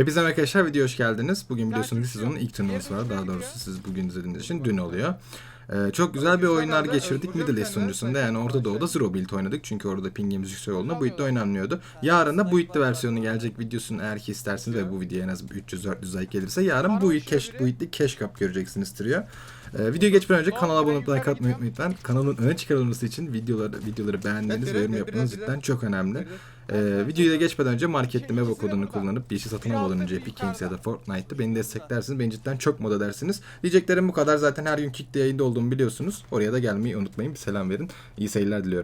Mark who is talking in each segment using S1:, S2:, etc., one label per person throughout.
S1: Hepinize merhaba arkadaşlar, videoya hoş geldiniz. Bugün biliyorsunuz bir sezonun ilk turnuvası var. Daha doğrusu siz bugün izlediğiniz için dün oluyor. Çok güzel bir oyunlar geçirdik Middle East sunucusunda, yani Orta Doğu'da Zero Build oynadık. Çünkü orada pingimiz yüksek olduğunda bu build'de oynanmıyordu. Yarın da bu build'de versiyonu gelecek videosunu eğer ki isterseniz ve bu videoya en az 300-400 like gelirse yarın bu build'de Cash Cup göreceksiniz trio. Videoya geçmeden önce kanala abone olup like atmayı unutmayın lütfen. Kanalın öne çıkarılması için videoları beğenmeniz ve yorum yapmanız cidden çok önemli. Videoya geçmeden önce markette Meva kodunu kullanıp bir şey satın almadan önce Epic Games ya da Fortnite'da beni desteklersiniz. Beni cidden çok mod edersiniz. Diyeceklerim bu kadar. Zaten her gün Kick'te yayında olduğumu biliyorsunuz. Oraya da gelmeyi unutmayın. Bir selam verin. İyi seyirler diliyorum.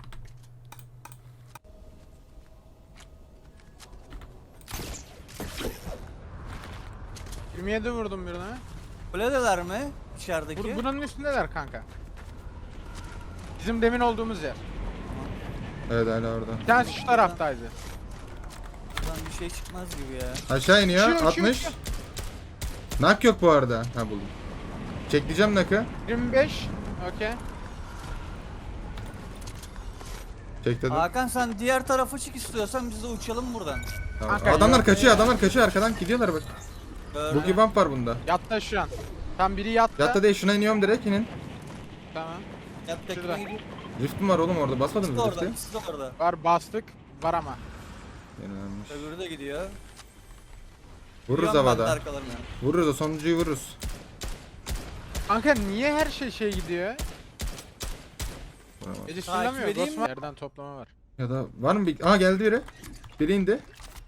S2: ...27 vurdum birine.
S3: Kuledeler mi? İçerideki.
S2: Bunun üstündeler kanka. Bizim demin olduğumuz yer.
S1: Evet, hala orada.
S2: Bir tanesi şu taraftaydı.
S3: Buradan bir şey çıkmaz gibi ya.
S1: Aşağı iniyor.
S2: Uçuyor,
S1: 60.
S2: uçuyor.
S1: Nak yok bu arada. Ha, buldum. Çekleyeceğim nakı.
S2: 25. Okey.
S1: Çekledim.
S3: Hakan sen diğer tarafa çık istiyorsan biz de uçalım buradan.
S1: Tamam.
S2: Kanka,
S1: Adamlar
S2: yok.
S1: kaçıyor, adamlar kaçıyor, arkadan gidiyorlar bak.
S3: Gördüm.
S1: Boogie bump var bunda.
S2: Yatta şu an. Tam biri yatta.
S1: Yatta değil, şuna iniyorum direkt, inin.
S2: Tamam.
S3: Yattakine
S2: Şurada.
S3: gidiyor.
S1: Rift'im var oğlum orada, basmadın
S3: İkisi de
S1: mı
S3: orada.
S1: Rift'i?
S3: İkisi de orada.
S2: Var bastık. Var ama.
S1: Yenilmiş.
S3: Öbürü de gidiyor.
S1: Vururuz
S3: Gidiyorum ben de
S1: havada.
S3: arkalarına.
S1: Vururuz, o sonuncuyu vururuz.
S2: Kanka niye her şey gidiyor?
S1: Vuramaz.
S2: Ece
S3: Takip
S2: sürülemiyor.
S3: edeyim
S2: Ghostman. Yerden toplama var.
S1: Ya da var mı bir... Aa, geldi biri. Biri indi.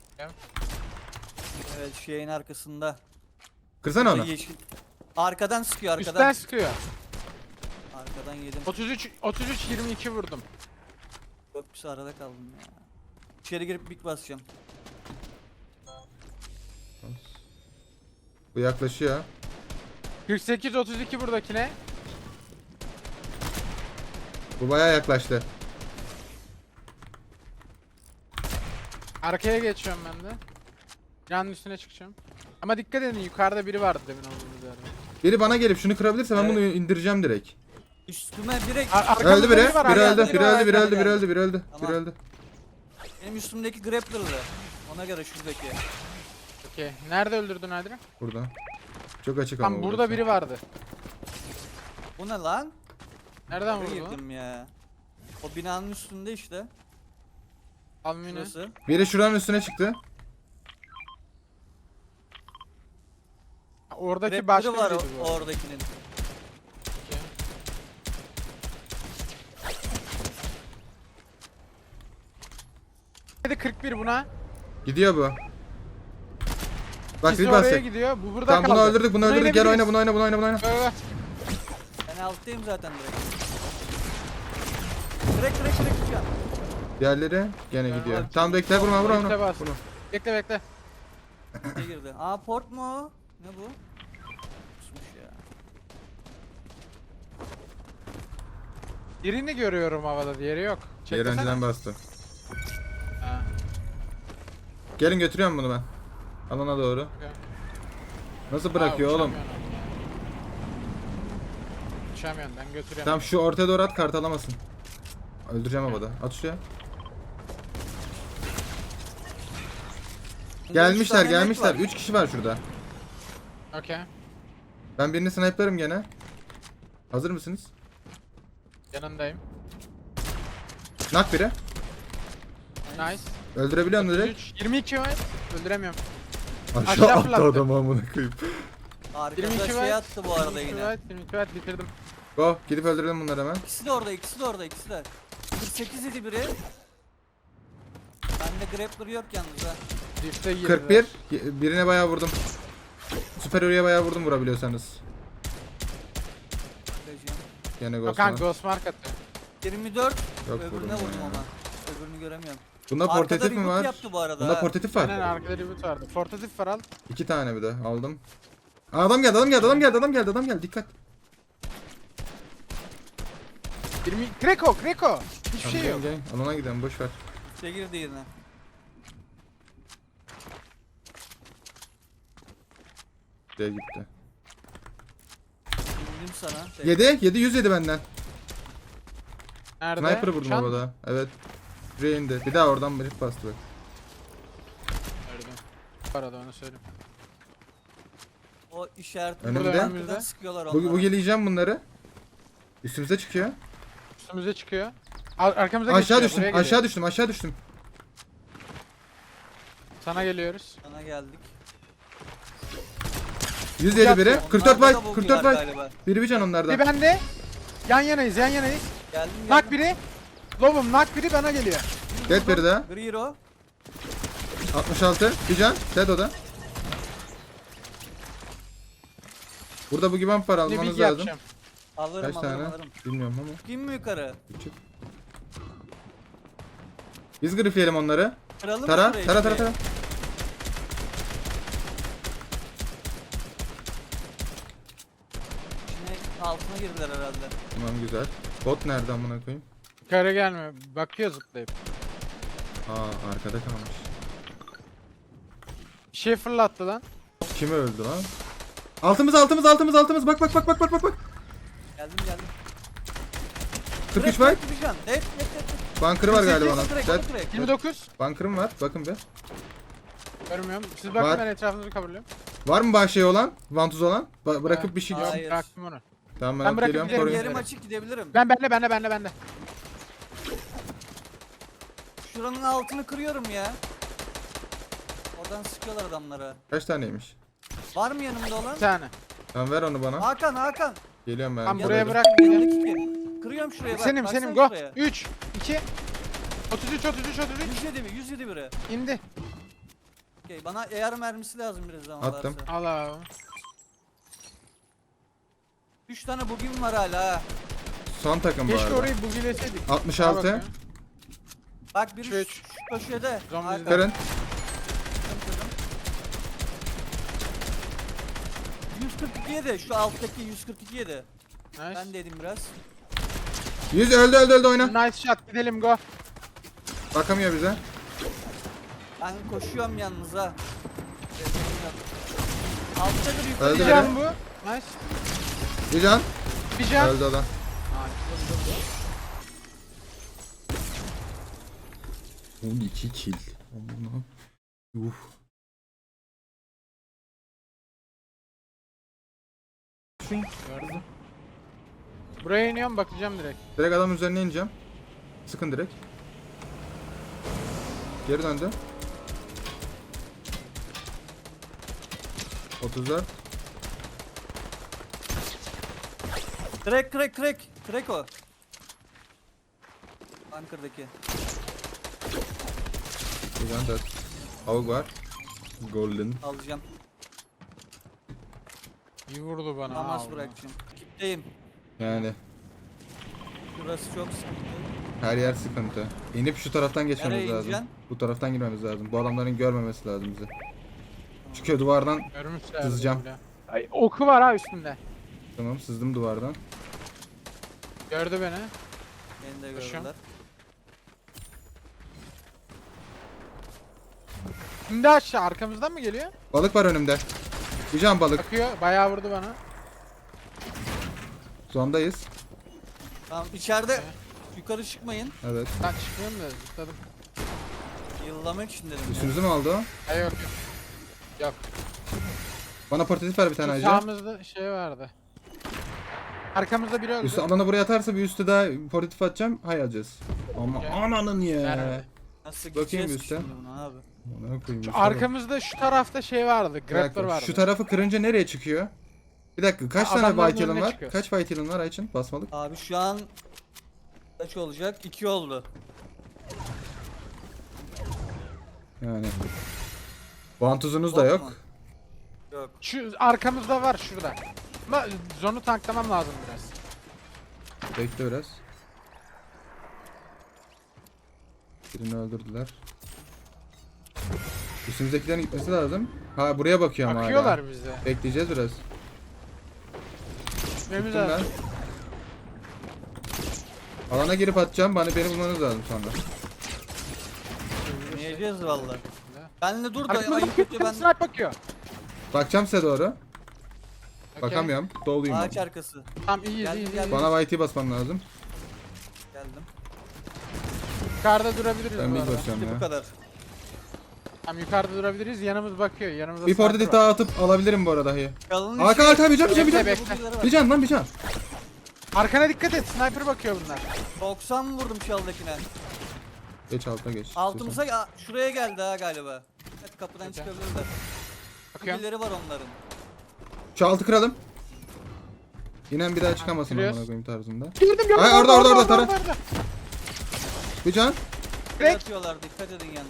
S3: Evet şeyin arkasında.
S1: Kırsana onu.
S3: Yeşil. Arkadan sıkıyor arkadan.
S2: Üstten sıkıyor.
S3: Arkadan yedim.
S2: 33 22 vurdum.
S3: Çok pis arada kaldım ya. İçeri girip big basacağım.
S1: Bu yaklaşıyor.
S2: 48 32 buradakine.
S1: Bu bayağı yaklaştı.
S2: Arkaya geçiyorum ben de. Canın üstüne çıkacağım. Ama dikkat edin, yukarıda biri vardı demin olduğumuz yerde.
S1: Biri bana gelip şunu kırabilirse ben
S3: Evet.
S1: bunu indireceğim direkt.
S3: Üstüme direkt.
S2: Arkamızda
S1: Öldü biri.
S2: var,
S1: Biri
S2: arkamızda
S1: öldü. Biri
S3: var,
S1: öldü. Biri
S3: arkada
S1: öldü. Biri
S3: geldi.
S1: öldü. Biri öldü.
S3: Tamam.
S1: Biri öldü.
S3: Benim üstümdeki grappler'lı. Ona göre şuradaki.
S2: Okey. Nerede öldürdün Adrian?
S1: Burada. Çok açık ama
S2: Tam burada
S1: burası.
S2: biri vardı.
S3: Bu ne lan?
S2: Nereden
S3: Buraya
S2: vurdu?
S3: girdim ya. O binanın üstünde işte.
S2: Almini.
S3: Şurası.
S1: Biri şuranın üstüne çıktı.
S2: Oradaki başka
S3: Grappler'ı var
S2: biriydi bu.
S3: oradakinin.
S2: Hadi 41 buna.
S1: Gidiyor bu. Bak
S2: İkisi
S1: bir
S2: oraya
S1: basacak.
S2: gidiyor. Bu burada
S1: Tamam,
S2: kaldı.
S1: bunu öldürdük. Bunu
S2: Buna
S1: öldürdük. Gel oyna,
S2: inebiliriz.
S1: bunu oyna, bunu oyna, bunu oyna.
S2: Ver.
S3: Ben alttayım zaten direkt. Direkt ya.
S1: Diğerleri gene
S2: Ben
S1: gidiyor.
S3: var.
S1: Tamam, bekle, vurma, vurma,
S2: Bekle,
S1: vurma.
S2: bas.
S1: Vurma.
S2: Bekle.
S3: Ne girdi? Aa port mu o? Ne bu? Kusmuş ya.
S2: Birini görüyorum havada, diğeri yok.
S1: Diğer
S2: Çeksene.
S1: önceden bastı.
S2: Ha,
S1: Gelin, götürüyorum bunu ben. Alana doğru.
S2: okey.
S1: Nasıl bırakıyor oğlum?
S2: Uçamıyorum, ben götürüyorum.
S1: Tamam, şu ortaya doğru at, kart alamasın. Öldüreceğim havada. At şuraya.
S3: Bunda üç
S1: Gelmişler,
S3: tane
S1: gelmişler.
S3: net var.
S1: 3 kişi var şurada.
S2: Okey.
S1: Ben birini sniper'ım gene. Hazır mısınız?
S2: Yanındayım.
S1: Nak biri.
S2: Nice.
S1: Öldürebiliyor musun direkt?
S2: 33, 22 var. Öldüremiyorum.
S1: Aşağı
S2: Aşağı
S1: attı
S2: fırlattı.
S1: adamı, amına koyayım.
S3: Arkada
S2: 22
S3: şey
S2: var.
S3: attı bu arada
S2: 22
S3: yine.
S2: var, 22 var, bitirdim.
S1: Go, gidip öldürelim bunları hemen.
S3: İkisi de orada, ikisi de orada, ikisi de. 48 idi biri. Bende grappler yok yalnız ha.
S2: Rift'e girdi.
S1: 41. Birine bayağı vurdum. Süper bayağı vurdum vurabiliyorsanız.
S3: Bakacağım.
S1: Gene
S2: Yok
S1: Ghost
S2: kanka,
S1: var.
S2: Ghost Mark attı.
S3: 24.
S1: Yok,
S3: Öbürüne
S1: vurdum
S3: vurdum
S1: ya.
S3: ama. Öbürünü göremiyorum.
S1: Bunda
S3: Arkada
S1: portatif mi
S3: reboot
S1: var?
S3: yaptı bu arada
S1: Bunda
S3: ha.
S1: portatif
S2: Aynen,
S1: var.
S2: arkada reboot vardı. Fortatif var, al.
S1: 2 tane bir de aldım. Aa, adam geldi, adam geldi, adam geldi, adam geldi, adam geldi. Dikkat.
S2: 20... Kreko. Hiçbir
S1: Tamam,
S2: şey
S1: gelin,
S2: yok.
S1: gelin. Alana gidelim, boş ver.
S3: İşte girdi yine.
S1: Buraya gitti.
S3: İndim sana.
S1: 7 100 yedi benden.
S2: Nerede?
S1: Sniper'ı vurdum
S2: Şan-
S1: havada. Evet. Buraya indi. Bir daha oradan bir bastı bak.
S2: Gördüm. arada onu söyleyeyim.
S3: O işaretli
S1: Önümde.
S3: arkadan sıkıyorlar onlara.
S1: Bu geleceğim bunları. Üstümüze çıkıyor.
S2: Üstümüze çıkıyor. Arkamıza
S1: Aşağı
S2: geçiyor,
S1: düştüm,
S2: buraya geliyor.
S1: aşağı düştüm, aşağı düştüm.
S2: Sana geliyoruz.
S3: Sana geldik.
S1: 107 biri.
S2: Onlar
S1: 44
S3: Onlarda da
S1: fight,
S3: bug
S1: 44
S3: var
S1: fight.
S3: galiba.
S1: Biri bir can onlardan.
S2: Bir bende. Yan yanayız, yan yanayız.
S3: Geldim
S2: Nak biri. Lobum nak biri bana geliyor.
S1: Dead biri daha.
S3: Gri hero.
S1: 66. Bir can. Dead o da. Burada bu gibi var
S2: Ne
S1: almanız
S2: bilgi
S1: lazım.
S2: yapacağım.
S3: Alırım
S1: Kaç
S3: alırım
S1: tane?
S3: alırım.
S1: Bilmiyorum ama.
S3: Kim mi yukarı?
S1: Küçük. Biz grifleyelim onları.
S3: Kıralım mı
S1: Tara,
S3: şurayı
S1: tara,
S3: şurayı?
S1: tara.
S3: İçine altına girdiler herhalde.
S1: Tamam güzel. Bot nerede amına koyayım?
S2: Yukarı gelmiyor. Bakıyor zıplayıp.
S1: Aa arkada kalmış.
S2: Bir şey fırlattı lan.
S1: Kim öldü lan? Altımız altımız altımız altımız. Bak bak bak bak bak bak bak.
S3: Geldim geldim.
S1: 43
S3: Direkt,
S1: var.
S3: direkt bir can. Evet evet evet.
S1: Bunker'ı var galiba onun.
S3: Direkt,
S1: Dead.
S3: direkt.
S2: 29.
S1: Bunker'ım var. Bakın bir.
S2: Görmüyorum. Siz bakın
S1: Var.
S2: ben etrafınızı kavuruyorum.
S1: Var mı bahşeye olan? Vantuz olan? Bırakıp bir şey.
S3: Hayır.
S2: Yok bıraktım onu.
S1: Tamam
S2: Ben
S1: ben
S2: bırakıp
S1: geliyorum
S2: giderim,
S1: koruyun.
S3: Yerim açık gidebilirim.
S2: Bende.
S3: Şuranın altını kırıyorum ya. Oradan sıkıyorlar adamlara.
S1: Kaç taneymiş?
S3: Var mı yanımda olan?
S2: Bir tane.
S1: Tamam ver onu bana.
S3: Hakan.
S1: Geliyorum ben.
S2: Tamam,
S1: Gel
S2: buraya
S1: hadi.
S2: bırak.
S3: Yanındaki kim? Kırıyorum şuraya bak.
S2: Senim
S3: baksana
S2: go.
S3: şuraya.
S2: 3 2 33
S3: 107 bir 107 biri.
S2: indi.
S3: Okey bana AR mermisi lazım biraz zaman
S1: Attım.
S3: varsa.
S2: Al abi.
S3: 3 tane bugün var hala ha.
S1: Son takım bu
S2: Keşke
S1: arada.
S2: orayı bugileseydik.
S1: 66.
S3: Bak biri
S2: Üç.
S3: şu köşede.
S2: Zombi
S3: Hakan,
S1: Kırın.
S3: kırdım. 142 yedi şu alttaki 142 yedi.
S2: Nice.
S3: Ben de yedim biraz.
S1: 100 öldü oyna.
S2: Nice shot gidelim go.
S1: Bakamıyor bize.
S3: Ben koşuyorum yalnız ha. Alttadır yukarı.
S1: Öldü
S2: Bir
S1: biri.
S2: can bu. Nice.
S1: Bir can.
S2: Bir can.
S1: Öldü o da. 12 kill. Aman.
S2: Gördüm. Buraya iniyorum bakacağım direkt.
S1: Direkt adam üzerine ineceğim. Sıkın direkt. Geri döndü. 34.
S3: Crack o. Bunker'daki.
S1: Bir can 4. Avuk var. Golden.
S3: Alacağım.
S2: İyi vurdu bana.
S3: Namaz
S2: aldı.
S3: bırakacağım. Kitleyim.
S1: Yani
S3: Burası çok sıkıntı.
S1: her yer sıkıntı. İnip şu taraftan geçmemiz
S3: Nereye
S1: lazım.
S3: ineceksin?
S1: Bu taraftan girmemiz lazım. Bu adamların görmemesi lazım bizi. Çıkıyor duvardan.
S2: Görmüşler.
S1: Sızacağım.
S2: bile. Ay, oku var ha üstünde.
S1: Tamam sızdım duvardan.
S2: Gördü beni.
S3: Beni de
S2: Koşuyorum.
S3: gördüler.
S2: Şimdi aşağı arkamızdan mı geliyor?
S1: Balık var önümde. Bir can balık.
S2: Bakıyor. Bayağı vurdu bana.
S1: Zondayız.
S3: Tamam içeride yukarı çıkmayın.
S1: Evet.
S2: Ben çıkmıyorum da zıpladım.
S3: Yıllamak için dedim ya.
S1: Üstümüzü mü aldı o?
S2: Ay yok. Yok.
S1: Bana portatif ver bir tane
S2: Şu
S1: acı.
S2: sağımızda şey vardı. Arkamızda biri öldü.
S1: Üstü alana buraya atarsa bir üstü daha portatif atacağım. Hay alacağız. Ama
S2: Okey.
S1: ananın ya.
S2: Nerede?
S3: Nasıl
S1: Bakayım
S3: gideceğiz
S1: üstte.
S3: şimdi buna abi?
S1: Ona koyayım.
S2: Şu
S1: üstü
S2: arkamızda şu tarafta şey vardı.
S1: Bir
S2: Grappler
S1: dakika,
S2: vardı.
S1: şu tarafı kırınca nereye çıkıyor? Bir dakika kaç
S2: Ha,
S1: tane
S2: adamların
S1: white yılın
S2: önüne
S1: var?
S2: çıkıyor.
S1: Kaç white yılın var Ayçin? Basmalık.
S3: Abi şu an kaç olacak? 2 oldu.
S1: Yani. Vantuzunuz da
S3: Bot
S1: yok.
S3: mu? Yok.
S2: Şu arkamızda var şurada. Ama zonu tanklamam lazım biraz.
S1: Bekle biraz. Birini öldürdüler. Üstümüzdekilerin gitmesi lazım. Ha buraya bakıyor ama hala.
S2: Bakıyorlar bize.
S1: Bekleyeceğiz biraz.
S2: Gitmemiz
S1: Tuttum ben.
S2: lazım.
S1: Alana girip atacağım. Beni bulmanız lazım sonra.
S3: Yiyeceğiz valla. Benle dur da
S2: Arkamızda
S3: ayıp
S2: bakıyor.
S3: kötü ben
S2: Snipe bakıyor.
S1: Bakacağım size doğru.
S2: Okey.
S1: Bakamıyorum. Doluyum.
S3: ağaç
S1: ben.
S3: arkası.
S2: Tamam iyiyiz
S3: Geldim,
S2: iyiyiz.
S3: geldim.
S2: iyiyiz.
S1: Bana YT basman lazım.
S3: Geldim.
S2: Yukarıda durabiliriz
S1: Ben
S2: bu
S1: bir
S2: arada.
S1: basıyorum
S3: İşte bu
S1: ya.
S3: kadar.
S2: Tamam yukarıda durabiliriz. Yanımız bakıyor. Yanımızda
S1: Bir
S2: sniper
S1: portatif
S2: var.
S1: daha atıp alabilirim bu arada hayır.
S3: Kalın
S1: Hakan
S3: içi-
S1: bir can.
S2: Bekle.
S1: Bir can lan bir can.
S2: Arkana dikkat et. Sniper bakıyor bunlar.
S3: 90 vurdum çaldakine.
S1: Geç altına geç.
S3: Altımıza şuraya geldi ha galiba. Evet kapıdan çıkabilirler.
S2: Bakıyorum.
S3: Birileri var onların.
S1: Şu altı kıralım. İnen bir daha çıkamasın
S2: Kırıyoruz.
S1: amına koyayım tarzında.
S2: Gördüm.
S1: Ay, orada, tara. Bir can.
S3: Direkt
S2: Direkt.
S3: atıyorlar dikkat edin yalnız.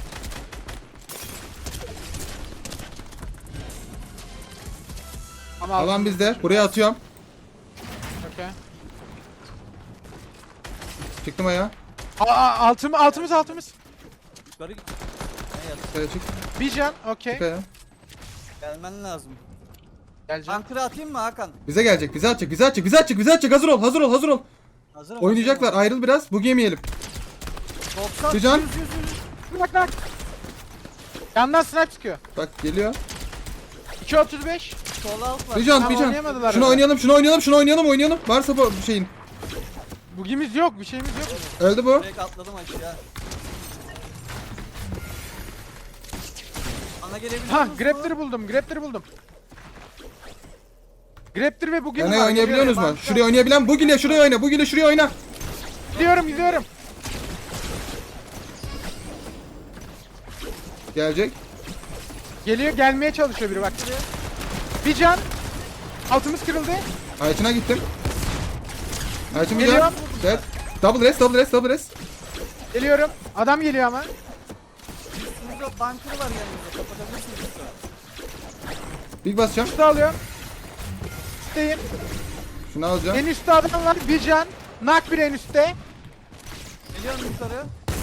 S2: Ama
S1: Alan bizde. Buraya atıyorum.
S2: Okey.
S1: Çıktım ayağa.
S2: Altımız.
S3: Yukarı git. Ne yaz?
S1: Kaya çık.
S2: Bir can. Okey.
S1: Çık ayağa.
S3: Gelmen lazım.
S2: Geleceğim.
S3: Bunker'ı atayım mı Hakan?
S1: Bize gelecek. Bize atacak. Hazır ol.
S3: Hazır ol.
S1: Oynayacaklar. Ayrıl biraz. Bu yemeyelim.
S3: 90.
S1: Bir can.
S3: 100.
S2: Bak. Yandan snipe çıkıyor.
S1: Bak geliyor.
S2: 2.35.
S3: Sol alt var.
S1: Bir can.
S2: Tamam, oynayamadılar
S1: Şunu
S2: öyle.
S1: oynayalım. Varsa bu şeyin.
S2: Bugimiz yok. Bir şeyimiz yok.
S1: Öldü bu.
S3: Direkt atladım aşağı. Bana gelebiliyor
S2: Ha,
S3: musun?
S2: Graptor'ı buldum. Graptor ve bugün
S1: Yani oynayabiliyorsunuz mu? Şuraya oynayabilen şuraya oyna.
S2: Gidiyorum.
S1: Gelecek.
S2: Gelmeye çalışıyor biri bak. Bir can. Altımız kırıldı.
S1: Ayçın'a gittim. Ayçın bir
S2: Geliyor.
S1: can. Evet. Double rest.
S2: Geliyorum. Adam geliyor ama.
S3: Burada bunker var yanımızda. Kapatabilirsiniz lütfen.
S1: Big basacağım.
S2: Üstü alıyorum. Üstteyim.
S1: Şunu alacağım.
S2: En üstte adam var. Bir can. Nak bir en üstte.
S3: Geliyorum yukarı.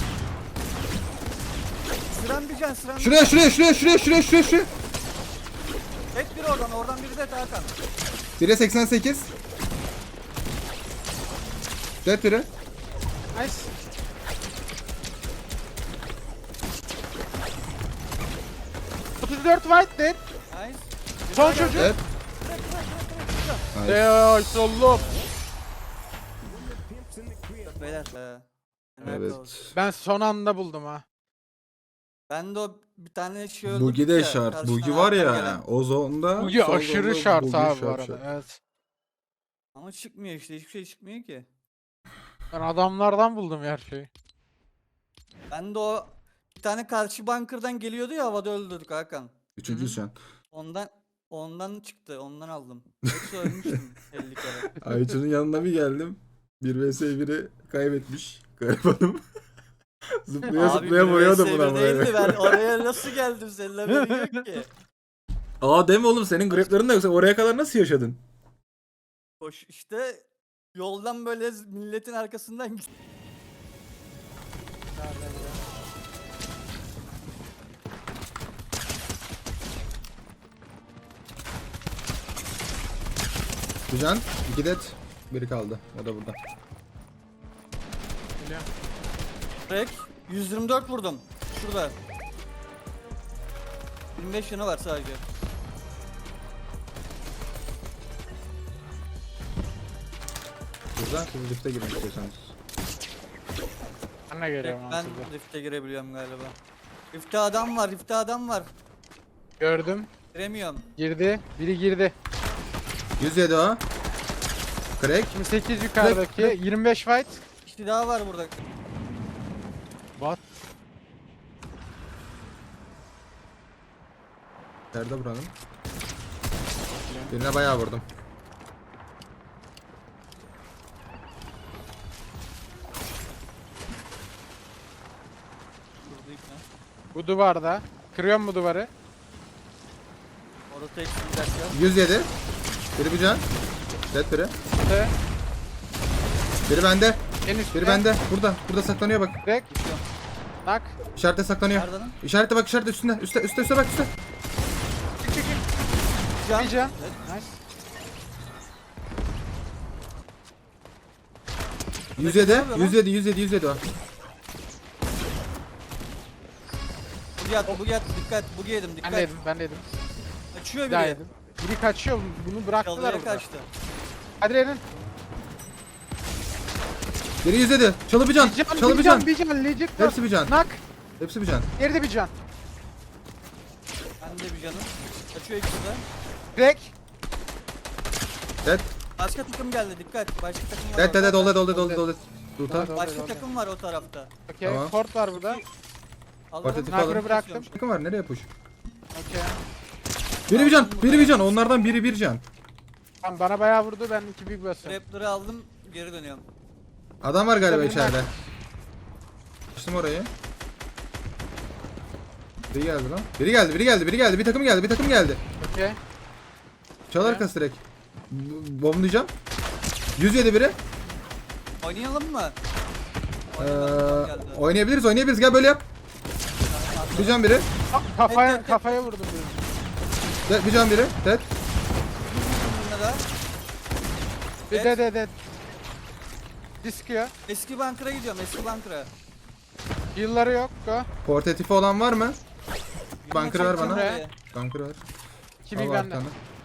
S3: Sıran bir can sıran.
S1: Şuraya.
S3: Tek biri oradan biri de Hakan.
S1: 1'e 88. Dead biri.
S2: Nice. ...34 white dead.
S3: Nice.
S2: Son çocuk.
S1: Dead. Nice.
S2: Eee sollum.
S3: Beyler. Nerede
S1: Evet.
S3: olsun?
S2: Ben son anda buldum ha.
S3: Ben de o bir tane şey öldürdüm
S1: Bugi de
S3: ya,
S1: şart.
S3: karşıdan
S1: Bugi var
S3: Hakan
S1: ya.
S3: gelen.
S1: O zonda.
S2: Bugi
S1: sol
S2: aşırı
S1: zonda
S2: şart
S1: Bugi
S2: abi bu
S1: şart,
S2: arada.
S1: şart.
S2: Evet.
S3: Ama çıkmıyor işte hiçbir şey çıkmıyor ki.
S2: Ben adamlardan buldum her şeyi.
S3: Ben de o bir tane karşı bunker'dan geliyordu ya havada öldürdük Hakan.
S1: Üçüncü şu an.
S3: Ondan çıktı ondan aldım. Yoksa ölmüştüm 50 kere.
S1: Ayça'nın yanına bir geldim. 1 vs 1'i kaybetmiş. Garibanım. zıplaya
S3: Abi
S1: vuruyordum
S3: bir
S1: buna
S3: vs bir değildi,
S1: böyle.
S3: ben oraya nasıl geldim senin haberin yok ki.
S1: Aa deme oğlum senin greplerin de yoksa oraya kadar nasıl yaşadın?
S3: Koş işte yoldan böyle milletin arkasından git.
S1: Güzel. 2 dead. Biri kaldı. O da burada.
S2: Geliyor.
S3: Rek 124 vurdum. Şurada. 25 yanı var sadece.
S1: Burada siz lifte girin istiyorsanız.
S2: Ben de
S3: Rek
S2: geliyorum
S3: ben
S2: aslında.
S3: rift'e girebiliyorum galiba. Rift'te adam var.
S2: Gördüm.
S3: Giremiyorum.
S2: Girdi. Biri girdi.
S1: 107 o. Crack.
S2: 28 yukarıdaki. 25 fight.
S3: İşte daha var burada.
S2: What?
S1: Nerede buranın? Birine bayağı vurdum.
S3: Burada ip ne?
S2: Bu duvarda. Kırıyorum bu duvarı.
S3: Orada tek bir dakika.
S1: 107. Biri bir can. Dead biri.
S2: Ve
S1: Biri bende.
S2: en üstte.
S1: Biri bende. Burada saklanıyor bak.
S2: Direkt. Nak.
S1: İşarette saklanıyor.
S3: Nerede lan?
S1: İşarette bak işarette üstünde. Üste bak üstte.
S2: Çık.
S3: Can.
S2: Bir can. Nice.
S1: 107.
S3: Ne yapıyor lan?
S1: 107 o.
S3: Bu yat dikkat. Bu yedim dikkat.
S2: Ben de yedim.
S3: Açıyor
S2: Bir daha
S3: biri.
S2: yedim. Biri kaçıyor. Bunu bıraktılar
S3: Çalıya
S2: burada.
S3: kaçtı.
S2: Hadi Eren.
S1: Biri 107. Çalı bir can.
S2: Bir can. Legit var.
S1: Hepsi bir can.
S2: Nak.
S1: Hepsi bir can.
S2: Geride bir can.
S3: bir canım. Kaçıyor ikisi de.
S2: Direkt.
S1: Dead.
S3: Başka takım geldi dikkat. Başka takım var.
S1: Dead dead
S3: orada.
S1: doldu. Ruta.
S2: Doldu.
S3: Başka takım var o tarafta.
S2: Okey.
S1: Tamam.
S2: Port var burada.
S3: Alırım.
S1: Portatif
S2: Sniper'ı
S1: alın.
S2: bıraktım.
S1: Takım var nereye push?
S2: Okey.
S1: Biri bir can. Onlardan biri bir can.
S2: Tamam bana bayağı vurdu ben 2 big basıyorum.
S3: Raptor'ı aldım geri dönüyorum.
S1: Adam var galiba
S2: Tabii,
S1: içeride. Açtım orayı. Biri geldi lan. Biri geldi. Bir takım geldi.
S2: Okey.
S1: Çal
S2: Ne?
S1: arkası direkt. Bomblayacağım. 107 biri.
S3: Oynayalım mı?
S1: Ee,
S3: Oynayalım, geldi.
S1: oynayabiliriz. Gel böyle yap. Bir can biri.
S2: Kafaya vurdum birini.
S1: Bir can biri. Dead.
S3: Bununla da
S2: Bir
S3: Evet.
S2: de. Diskiyor.
S3: eski bunker'a gidiyorum eski bunker'a.
S2: Yılları yok. Go.
S1: Portatifi olan var mı? Bunker ver bana.
S2: Buraya.
S1: Bunker ver.
S2: 2
S1: Al
S2: big bende.
S1: arkanı.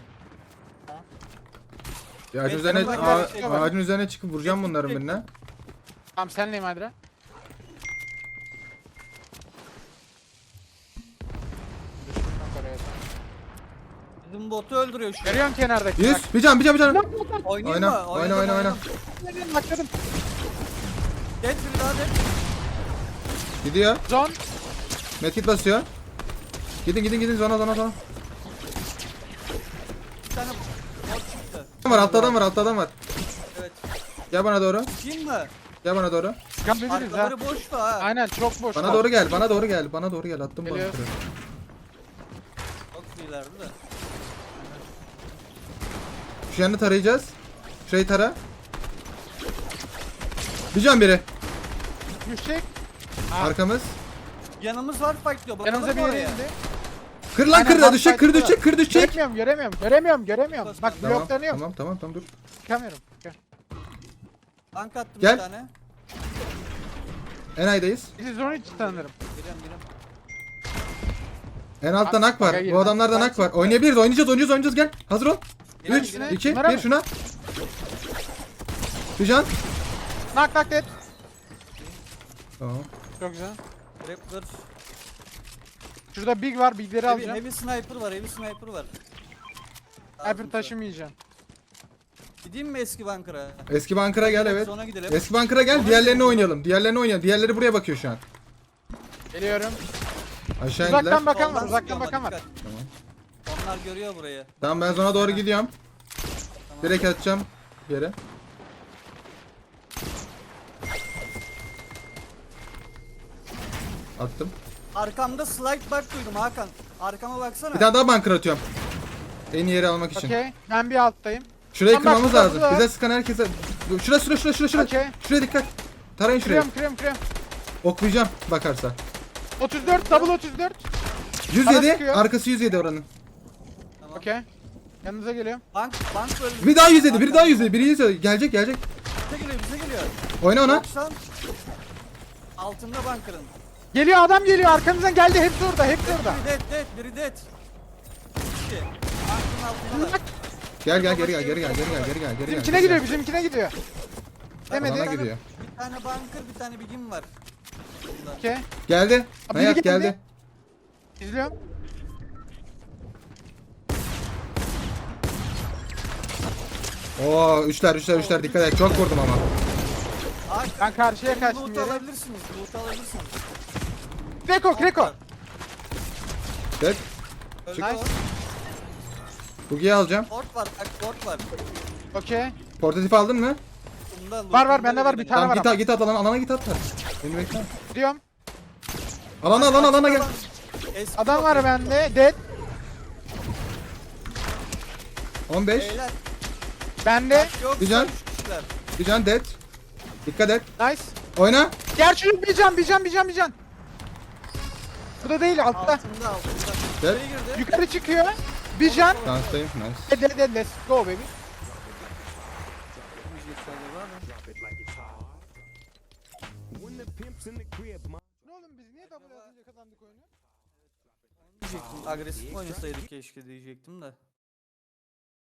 S1: Ya ağacın
S3: Ben
S1: üzerine,
S3: sana bak-
S1: ağacın üzerine çıkıp vuracağım bunların birine.
S2: Tamam senleyim Adra.
S3: Bizim botu öldürüyor şu an.
S2: Görüyorsun kenardaki.
S1: 100. Bir can.
S3: Oyna.
S1: Oyna.
S2: Bakladım.
S3: Dead bir daha dead.
S1: Gidiyor.
S2: Zon.
S1: Medkit basıyor. Gidin zona.
S3: Bir tane bot çıktı.
S1: Altta adam var.
S3: Evet.
S1: Gel bana doğru.
S3: Kim mi?
S2: Çıkabiliriz ha.
S3: Arkaları boş da ha.
S2: Aynen çok boş.
S1: Bana doğru gel. Bana doğru gel. Attım
S2: Geliyor.
S1: bunker'ı.
S3: Çok iyilerdi de.
S1: Şu yanını tarayacağız. Şurayı tara. Bir can biri.
S2: Düşecek.
S1: Arkamız.
S3: Yanımız var fight diyor. Bakalım
S2: Yanımıza bir yere
S3: oraya.
S2: indi.
S1: Kır lan
S2: Aynen,
S1: kır
S2: bak,
S1: düşecek. Kır düşecek.
S2: Göremiyorum. Bak
S1: Tamam
S2: bloklanıyorum.
S1: tamam dur.
S2: Çıkamıyorum. Gel.
S3: Tank attım
S1: Gel.
S3: bir tane.
S1: Enay'dayız.
S2: Bizi zone içi tanırım.
S3: Geliyorum.
S1: En altta nak var.
S2: Baka girme.
S1: Bu adamlarda nak var. Oynayabiliriz. Oynayacağız. Gel. Hazır ol.
S3: Gel,
S1: 3,
S3: gel.
S1: 2,
S2: Bunlara
S1: 1
S2: mı?
S1: şuna. Bir can.
S2: Nak dead.
S1: Tamam.
S2: Çok güzel.
S3: Raptor.
S2: Şurada big var. Bigleri alacağım.
S3: Heavy sniper var. Heavy sniper var.
S2: Hyper taşımayacağım.
S3: Gideyim mi eski bunker'a?
S1: Eski bunker'a gel evet.
S3: Sonra gidelim.
S1: Eski bunker'a gel. Diğerlerini oynayalım. Diğerleri buraya bakıyor şu an.
S2: Geliyorum.
S1: Aşağı indiler.
S2: Uzaktan bakan var.
S3: Soldan
S2: Uzaktan
S3: sıkıyor ama
S2: bakan var.
S3: dikkat. Onlar görüyor burayı.
S1: Tamam ben zona doğru gidiyorum. Direkt atacağım yere. Attım.
S3: Arkamda slide back duydum Hakan. Arkama baksana.
S1: Bir tane daha bunker atıyorum. En iyi yeri almak için.
S2: Okey. Ben bir alttayım.
S1: Şurayı
S2: Tamam, bak,
S1: kırmamız
S2: burada,
S1: lazım.
S2: burada.
S1: Bize sıkan herkese... Şura.
S2: Okey.
S1: Şuraya dikkat. Tarayın şurayı.
S2: Kırıyorum.
S1: Oklayacağım bakarsa.
S2: 34. Double 34.
S1: 107.
S2: sıkıyor.
S1: Arkası 107 oranın.
S3: Tamam.
S2: Okey. Yanınıza geliyorum.
S3: Bank öldü.
S1: Bir daha 107. Biri 107. Gelecek.
S3: Bize geliyor.
S1: Oyna ona.
S3: 90. Altında bunker'ın.
S2: Geliyor adam geliyor. Arkanızdan geldi. Hepsi orada.
S3: Biri dead. İki. Bunker'ın altında.
S1: Geri gel.
S2: Bizimkine gidiyor. Demedi.
S1: Alana gidiyor.
S3: Bir tane bunker, bir tane bigim var. Bunda.
S2: Okey.
S1: Geldi.
S2: Biri
S1: Nayak
S2: geldi.
S1: geldi.
S2: İzliyorum.
S1: Oo üçler dikkat et. Çok vurdum ama.
S3: Hakan,
S2: Ben karşıya kaçtım
S3: loot
S2: yere.
S3: alabilirsiniz.
S2: Kreko.
S1: Evet.
S3: Öldü
S2: Nice.
S3: o.
S1: Bugi'yi alacağım.
S3: Port var, bak port var.
S2: Okey.
S1: Portatif aldın mı?
S3: Bunda
S2: Var, bende var bir tane.
S1: Tamam
S2: var
S1: git at alana git at. Beni bekle.
S2: Gidiyorum.
S1: Alana gel.
S3: Eski
S2: Adam var bende. Dead.
S1: 15.
S3: Beyler,
S2: Bende.
S3: yok,
S1: Güzel.
S3: üç kişiler.
S1: Bir can dead. Dikkat et.
S2: Nice.
S1: Oyna.
S2: Gerçi bir can. Bu da değil altta.
S3: Altında.
S1: Dead.
S3: İçeri girdi.
S2: Yukarı çıkıyor. Bir can.
S1: Danstayım. Nice.
S2: Dead. Let's go baby. Ne oğlum biz niye double atınca kazandık oyunu?
S3: Agresif oynasaydık keşke diyecektim de.